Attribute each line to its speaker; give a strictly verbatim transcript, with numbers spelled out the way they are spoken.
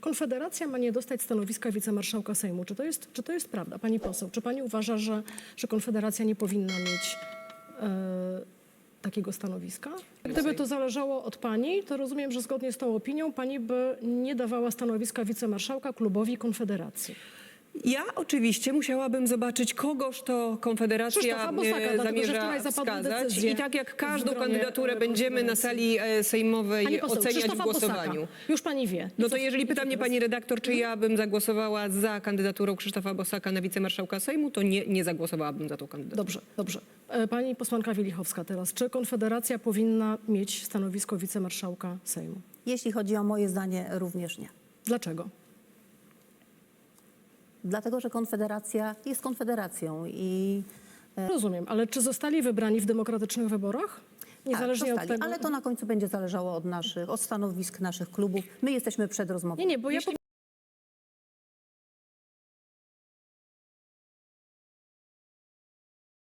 Speaker 1: Konfederacja ma nie dostać stanowiska wicemarszałka Sejmu. Czy to jest, czy to jest prawda, pani poseł? Czy pani uważa, że, że Konfederacja nie powinna mieć e, takiego stanowiska? Gdyby to zależało od pani, to rozumiem, że zgodnie z tą opinią pani by nie dawała stanowiska wicemarszałka klubowi Konfederacji.
Speaker 2: Ja oczywiście musiałabym zobaczyć, kogoż to Konfederacja
Speaker 1: Krzysztofa Bosaka, dlatego, że
Speaker 2: zamierza
Speaker 1: wczoraj zapadły
Speaker 2: wskazać.
Speaker 1: decyzje
Speaker 2: I tak jak każdą
Speaker 1: w gronie,
Speaker 2: kandydaturę
Speaker 1: e,
Speaker 2: będziemy na sali e, sejmowej
Speaker 1: Pani poseł,
Speaker 2: oceniać w
Speaker 1: Krzysztofa
Speaker 2: głosowaniu.
Speaker 1: Bosaka. Już pani wie.
Speaker 2: No
Speaker 1: I
Speaker 2: to
Speaker 1: co-
Speaker 2: jeżeli
Speaker 1: i
Speaker 2: pyta
Speaker 1: co
Speaker 2: mnie
Speaker 1: teraz?
Speaker 2: pani redaktor, czy ja bym zagłosowała za kandydaturą Krzysztofa Bosaka na wicemarszałka Sejmu, to nie, nie zagłosowałabym za tą kandydaturą.
Speaker 1: Dobrze, dobrze. E, Pani posłanka Wielichowska teraz. Czy Konfederacja powinna mieć stanowisko wicemarszałka Sejmu?
Speaker 3: Jeśli chodzi o moje zdanie, również nie.
Speaker 1: Dlaczego?
Speaker 3: Dlatego, że Konfederacja jest Konfederacją i
Speaker 1: Rozumiem, ale czy zostali wybrani w demokratycznych wyborach? Niezależnie
Speaker 3: tak,
Speaker 1: od
Speaker 3: zostali.
Speaker 1: tego.
Speaker 3: Ale to na końcu będzie zależało od naszych, od stanowisk naszych klubów. My jesteśmy przed rozmową.
Speaker 1: Nie, nie, bo ja
Speaker 2: Jeśli